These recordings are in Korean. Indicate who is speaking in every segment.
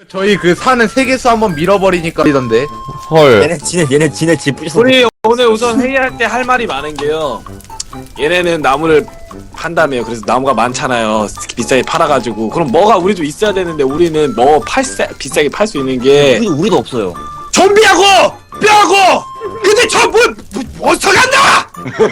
Speaker 1: 저희 그 산을 세 개수 한번 밀어버리니까 이던데.
Speaker 2: 헐.
Speaker 3: 얘네 지네 집 부셔서.
Speaker 4: 우리 오늘 우선 회의할 때 할 말이 많은 게요. 얘네는 나무를 판다며요. 그래서 나무가 많잖아요. 비싸게 팔아가지고. 그럼 뭐가 우리도 있어야 되는데 우리는 뭐 비싸게 팔 수 있는 게
Speaker 3: 우리도 없어요.
Speaker 4: 좀비하고 뼈하고. 근데 저 몬스터가 안 나와.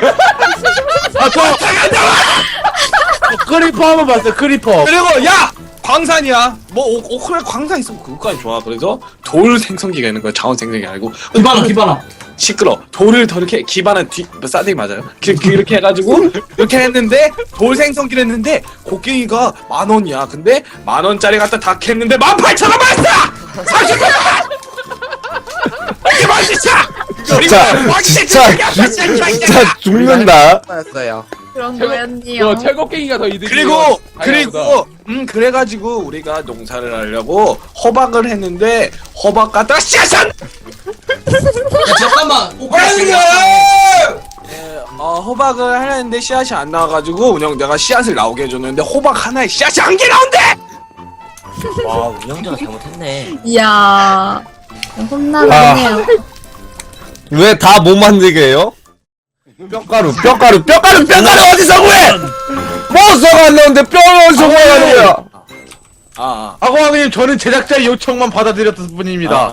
Speaker 4: 몬스터가 안 나와.
Speaker 1: 크리퍼 한번 봤어요. 크리퍼.
Speaker 4: 그리고 야 광산이야. 뭐 그래 광산 있으면 그거까지 좋아. 그래서 돌 생성기가 있는 거야. 자원 생성기 아니고.
Speaker 5: 기반아.
Speaker 4: 시끄러. 돌을 더 이렇게 기반은 싸대기 맞아요. 이렇게 해가지고 이렇게 했는데 돌 생성기를 했는데 곡괭이가 10,000원이야. 근데 10,000원짜리 갖다 다 캤는데 18,000원 받았어. 30만. 이게
Speaker 2: 진짜 죽는다.
Speaker 1: 맞았어요.
Speaker 6: 그런
Speaker 5: 최고-
Speaker 6: 거였니요.
Speaker 5: 철곡갱이가 더 이득이고.
Speaker 4: 그리고 그래가지고 우리가 농사를 하려고 호박을 했는데 호박 갖다가 씨앗은
Speaker 5: 잠깐만.
Speaker 4: 호박을 하려는데 씨앗이 안 나와가지고 운영자가 씨앗을 나오게 해줬는데 호박 하나에 씨앗이 1개 나온대.
Speaker 3: 와 운영자가 잘못했네.
Speaker 6: 이야. 혼나네요.
Speaker 2: 왜 다 못 만들게 해요? 뼈가루 어디서 구해? 몬스터가 안 나오는데 뼈를 어디서 구해가는 거야?
Speaker 1: 아고왕님 저는 제작자의 요청만 받아들였을 뿐입니다.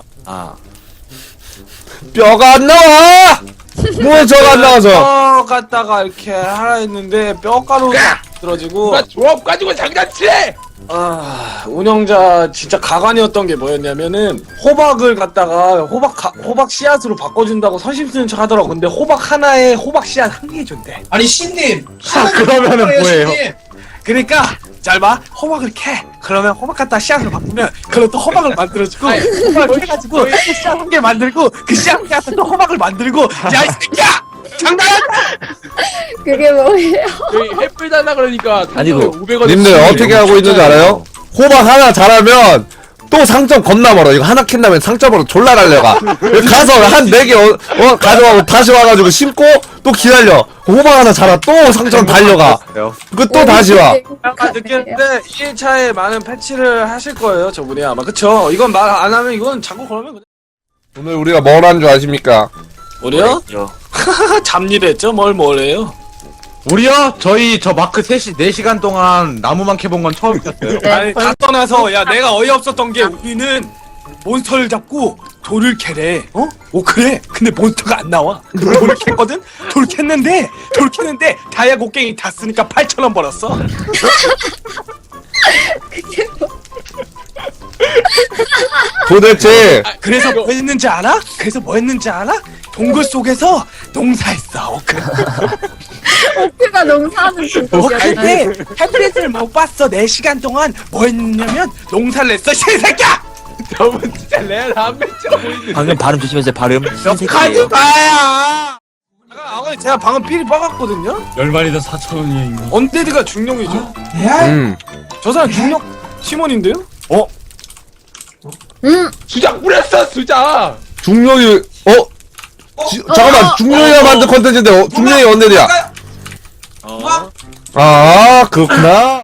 Speaker 2: 뼈가 안 나와! 몬스터가 안 나와서.
Speaker 4: 뼈 갖다가 이렇게 하라 했는데 뼈가루가 들어지고
Speaker 5: 조합 가지고 장난치래.
Speaker 4: 운영자 진짜 가관이었던 게 뭐였냐면은 호박을 갖다가 호박 씨앗으로 바꿔준다고 선심 쓰는 척 하더라고. 근데 호박 하나에 호박 씨앗 1개 준대.
Speaker 5: 아니 신님.
Speaker 1: 그러면은 뭐예요?
Speaker 4: 그러니까 잘 봐. 호박을 캐. 그러면 호박 갖다 씨앗으로 바꾸면 그걸 또 호박을 만들어주고 호박을 캐가지고 또 씨앗 1개 만들고 그 씨앗 1개 또 호박을 만들고 야 이 새끼야! 장난하냐?
Speaker 6: 그게 뭐예요?
Speaker 5: 여기 햇불 달라 그러니까
Speaker 3: 아니고.
Speaker 5: 500원.
Speaker 2: 님들 어떻게 하고 있는지 알아요? 호박 하나 자라면 또 상점 겁나 멀어. 이거 하나 캔다면 상점으로 졸라 날려가. 가서 한 4개 가져가고 다시 와가지고 심고 또 기다려. 호박 하나 자라 또 상점 달려가. 그 또 다시 와.
Speaker 4: 아까 느꼈는데 1차에 많은 패치를 하실 거예요 저분이 아마. 그쵸? 이건 말 안 하면 이건 자꾸 그러면 그냥
Speaker 2: 오늘 우리가 뭘 한 줄 아십니까?
Speaker 4: 우리요? 잡일했죠? 뭘 해요?
Speaker 1: 우리요? 저희 저 마크 4시간 동안 나무만 캐본 건 처음이었어요.
Speaker 4: 아니 다 떠나서 야 내가 어이없었던 게 우리는 몬스터를 잡고 돌을 캐래. 오 그래? 근데 몬스터가 안 나와. 근데 돌을 캤거든? 돌 캤는데 다이아 곡괭이 다 쓰니까 8,000원 벌었어.
Speaker 2: 도대체
Speaker 4: 그래서 뭐 했는지 알아? 동굴 속에서 농사했어. 오크.
Speaker 6: 오크가 농사하는
Speaker 4: 근데 햄플릿을 못 봤어. 4시간 동안 뭐 했냐면 농사를 했어. 신새끼야!
Speaker 5: 저분 진짜 레알 한 맺혀 보이는데.
Speaker 3: 방금 발음 조심하세요. 발음.
Speaker 4: 가지
Speaker 3: 신세계예요.
Speaker 4: 마야! 아버님 제가 방금 필이 빠갔거든요?
Speaker 7: 10마리당 4,000원이야.
Speaker 4: 언데드가 중령이죠? 저 사람 중령 팀원인데요?
Speaker 5: 수작 뿌렸어 수작.
Speaker 2: 중력이 잠깐만 중력이가 만든 컨텐츠인데 중력이 언제야? 아 그렇구나.